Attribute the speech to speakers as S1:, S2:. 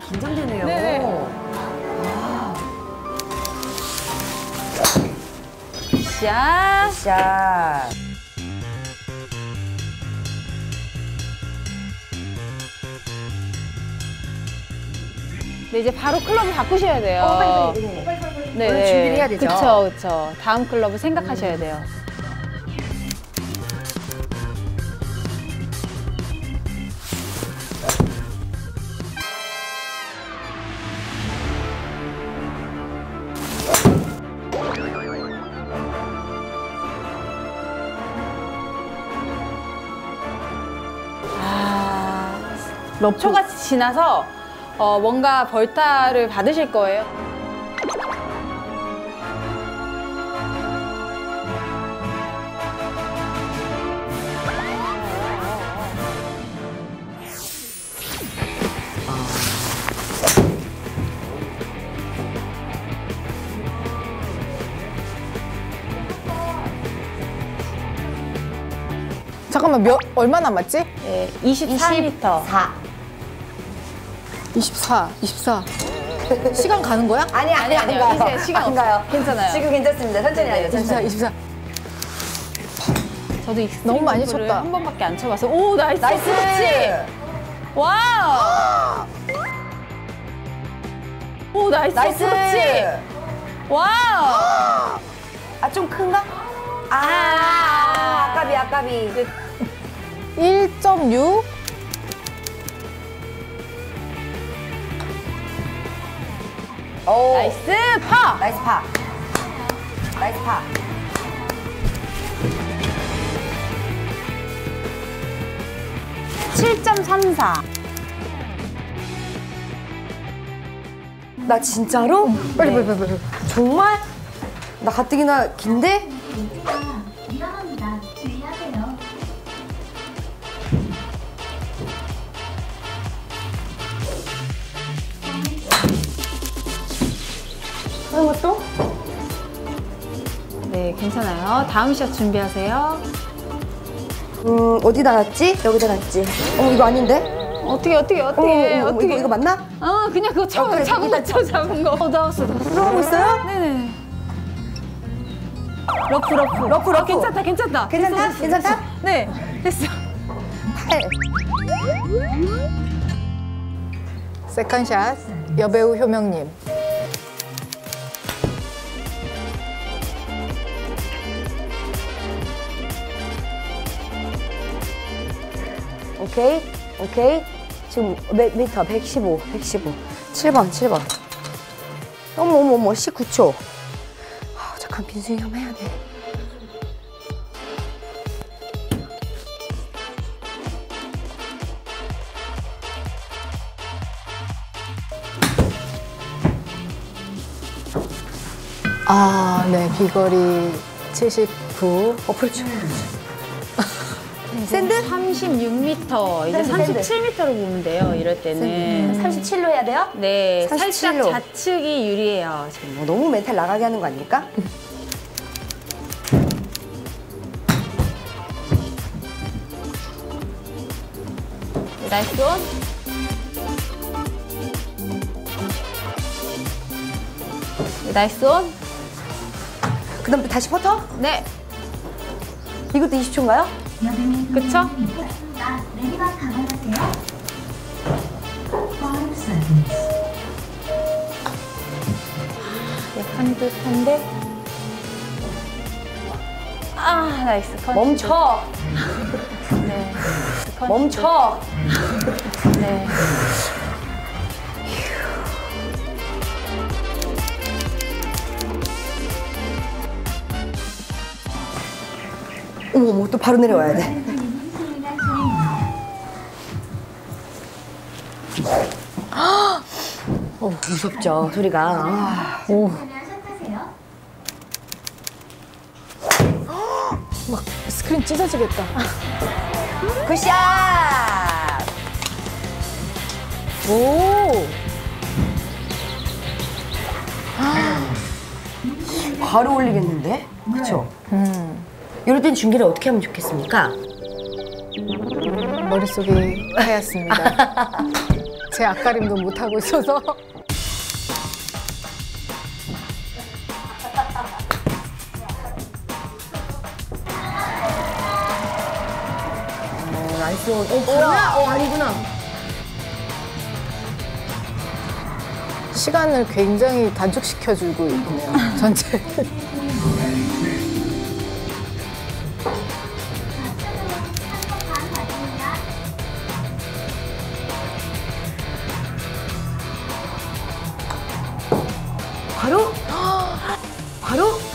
S1: 긴장되네요.
S2: 네. 샷.
S1: 샷.
S2: 네, 이제 바로 클럽을 바꾸셔야 돼요.
S1: 빨리.
S2: 네,
S1: 오늘 준비를 해야 되죠?
S2: 그쵸. 다음 클럽을 생각하셔야 돼요. 초가 지나서 뭔가 벌타를 받으실 거예요.
S3: 잠깐만, 얼마 남았지?
S2: 네, 24m.
S3: 24. 시간 가는 거야?
S1: 아니요.
S2: 이제 시간
S1: 안 가요.
S2: 괜찮아요.
S1: 지금 괜찮습니다. 천천히 하죠.
S3: 24.
S2: 저도 익스트림
S3: 너무 많이
S2: 골프를
S3: 쳤다.
S2: 한 번밖에 안 쳐봐서. 오, 나이스.
S1: 나이스.
S2: 그렇지. 와우. 오, 나이스.
S1: 나이스.
S2: 그렇지. 와우.
S1: 아, 좀 큰가? 아까비.
S3: 1.6.
S1: 오.
S2: 나이스 파.
S1: 나이스 파.
S2: 7.34.
S1: 나 진짜로?
S3: 빨리.
S1: 정말? 나 가뜩이나 긴데?
S4: 위험합니다. 주의하세요.
S1: 하는 것도?
S2: 네, 괜찮아요. 다음 샷 준비하세요.
S1: 어디다 놨지? 여기다 놨지. 이거 아닌데?
S2: 어떻게.
S1: 이거 맞나?
S2: 그냥 그거
S1: 그래,
S2: 잡은 거 쳐, 잡은 거. 나왔어.
S1: 들어가고 있어요?
S2: 네네. 러프. 괜찮다.
S1: 괜찮다?
S2: 됐어.
S1: 괜찮다?
S2: 네, 됐어.
S3: 세컨샷, 여배우 효명님.
S1: 오케이. 지금 몇 미터? 115. 7번. 어머, 19초. 잠깐 빈스윙 한번 해야 돼.
S3: 네, 비거리 79.
S1: 그렇죠. 샌드?
S2: 36m, 이제
S1: 샌드.
S2: 37m로 보면 돼요, 이럴 때는.
S1: 37로 해야 돼요?
S2: 네,
S1: 37
S2: 살짝
S1: 로.
S2: 좌측이 유리해요, 지금.
S1: 너무 멘탈 나가게 하는 거 아닙니까?
S2: 나이스 온. 나이스 온.
S1: 그 다음 또 다시 퍼터?
S2: 네,
S1: 이것도 20초인가요?
S2: 그쵸?
S4: 내리막 감안하세요.
S2: 약간 듯한데. 나이스. 컨시드.
S1: 멈춰!
S2: 네.
S1: 멈춰!
S2: 네.
S1: 어머, 또 바로 내려와야 돼. 무섭죠, 소리가.
S4: 샷하세요.
S3: 막 스크린 찢어지겠다.
S1: 굿샷!
S3: 오!
S1: 바로 올리겠는데? 그쵸? 이럴 땐 중계를 어떻게 하면 좋겠습니까?
S3: 머릿속이 하얗습니다. 제 앞가림도 못하고 있어서.
S1: 나이스. 뭐야? 아니구나.
S3: 시간을 굉장히 단축시켜주고 있네요. 전체.
S4: 반 받습니다.
S1: 바로? 바로?